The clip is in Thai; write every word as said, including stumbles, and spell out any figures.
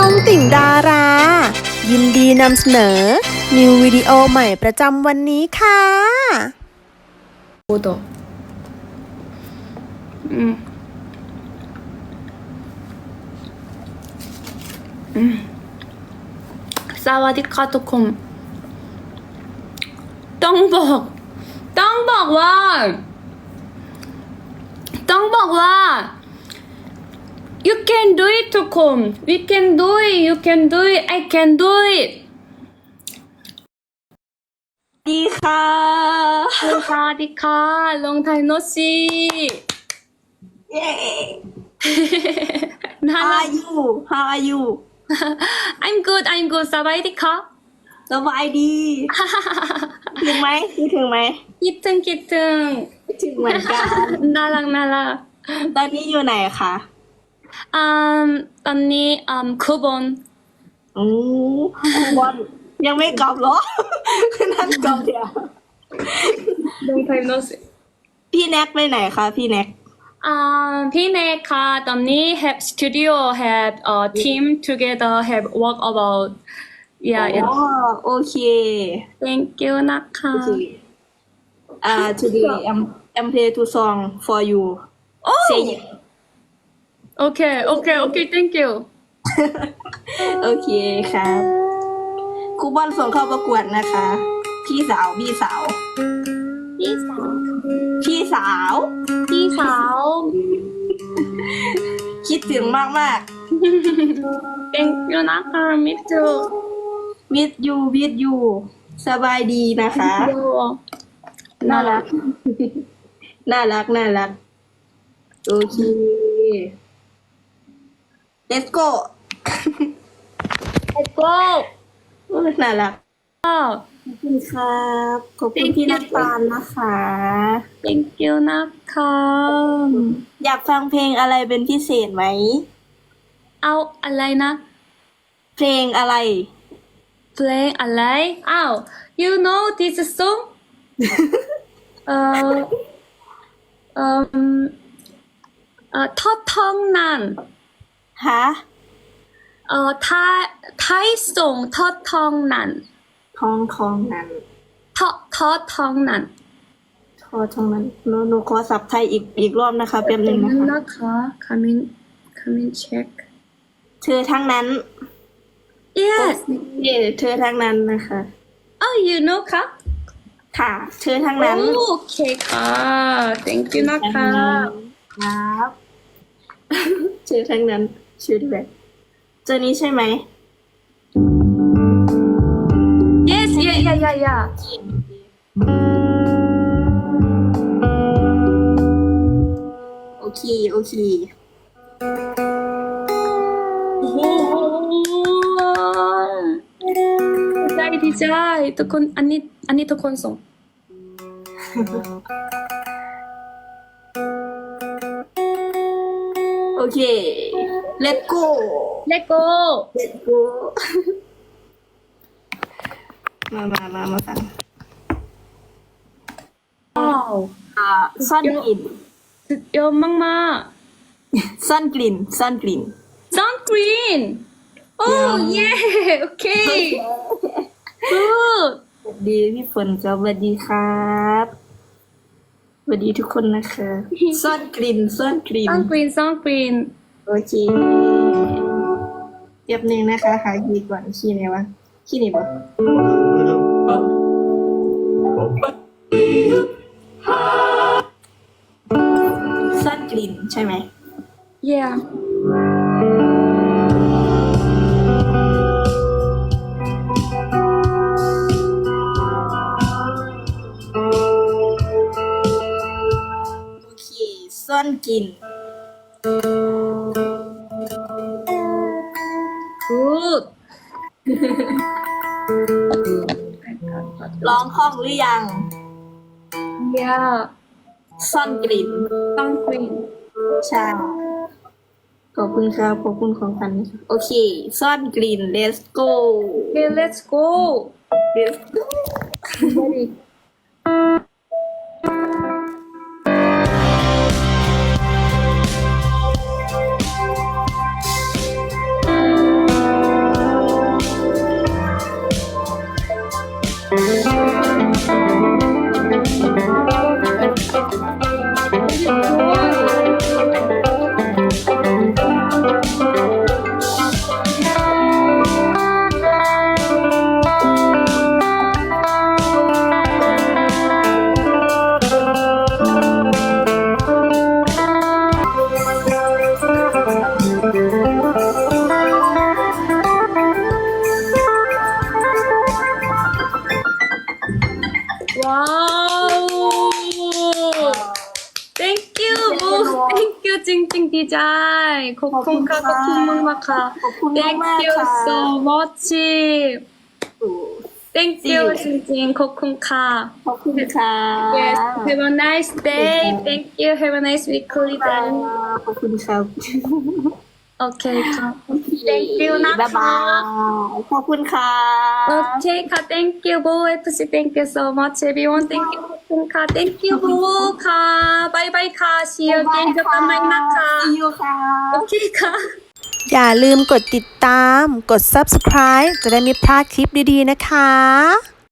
องติ่งดารา ยินดีนำเสนอ นิววิดีโอใหม่ประจำวันนี้ค่ะ 오더. 음. 음. 사와디카 토콤. ต้องบอกต้องบอกว่าต้องบอกว่า you can do it ทุกคน we can do it you can do it I can do it ดีค่ะสวัสดีค่ะลงไทยโนชิเย้น่า How รั are ก you How are you I'm good I'm good สบายดีค่ะสบายดีถึงไหมคิดถึงไหมคิดถึงคิดถึงคิดถึงเหมือนกันน่ารักน่ารักตอนนี้อยู่ไหนคะอืมตอนนี้อืมคูบอนอือคุณบอลยังไม่กลับเหรอ นั่นกลับเดี๋ยวลงไทยโนชิพี่แน็กไปไหนคะพี่แน็กอ่าพี่เนคค่ะตอนนี้ have studio have a team together have work about yeah อ๋ yeah อโอเค thank you นะคะโอเคอ่า today I'm I'm play two song for you say yes โอเคโอเคโอเค thank you โอเคครับครูบอลส่งเข้าประกวดนะคะ พี่สาวพี่สาวพี่สาวพี่สาวพี่สาวคิดถึงมากมาก thank you นะคะ me too วิดยูวิดยูสบายดีนะคะ น่ารัก น่ารัก น่ารัก โอเค let's go let's go โอ้ยน่ารัก ขอบคุณครับ ขอบคุณพี่น้ำตาลนะคะ thank you นะคะอยากฟังเพลงอะไรเป็นพิเศษไหมเอาอะไรนะเพลงอะไรเพลงอะไรอ้าว you know this song เอ่อเอ่อเอ่อทอดทองนั้นฮะเอ่อไทยไทยส่งทอดทองนั้นทองทองนั้นทอดทอดทองนั้นทอทองนั้นหนูหนูขอสับไทยอีกอีกรอบนะคะแป๊บนึงนะคะนะคะ coming coming check เธอทั้งนั้น yes เย่เธอทั้งนั้นนะคะ oh you know ค่ะค่ะ เธอทั้งนั้นโอเคค่ะ thank you นะคะครับ เธอทั้งนั้นชื่อแบบเจอนี้ใช่ไหม yes yeah yeah yeah yeah โอเค โอเคโอ้โหดีใจดีใจทุกคนอันนี้อันนี้ทุกคนส่งโอเค let's go Let go let's go มามามามาฟังว้าวอ่าซ่อนกลิ่นสุดยอดมากมากซ่อนกลิ่นซ่อนกลิ่น sunscreen oh yeah okay good สวัสดีพี่ฝนครับสวัสดีครับสวัสดีทุกคนนะคะ ซ่อนกลิ่นซ่อนกลิ่น sunscreen sunscreen โอเคเดี๋ยวนึงนะคะหาคีย์ก่อนคีย์ไหนวะคีย์นี่ปะซ่อนกลิ่นใช่ไหม yeah โอเคซ่อนกลิ่น good ร้องคล่องหรือยัง yeah ซ่อนกลิ่น sunscreen ใช่ขอบคุณครับขอบคุณของกันนะคะโอเค ซ่อนกลิ่น let's go okay let's go let's go ready ขอบคุณค่ะขอบคุณมากมากๆค่ะขอบคุณ thank มากๆ you ค่ะ so much โอ้ thank you จริงๆขอบคุณค่ะขอบคุณค่ะ yes have a nice day thank you have a nice weekly day ขอบคุณครับโอเคค่ะ thank you นะบ๊ายบาคะยขอบคุณค่ะโอเคค่ะ thank you บูเอฟซี thank you so much everyone thank you ขอบคุณค่ะ thank you บูค่ะบายบายค่ะ see you again เจอกันใหม่นะคะ See you ค่ะโอเคค่ะอย่าลืมกดติดตาม กด ซับสไครบ์ จะได้ไม่พลาดคลิปดีๆนะคะ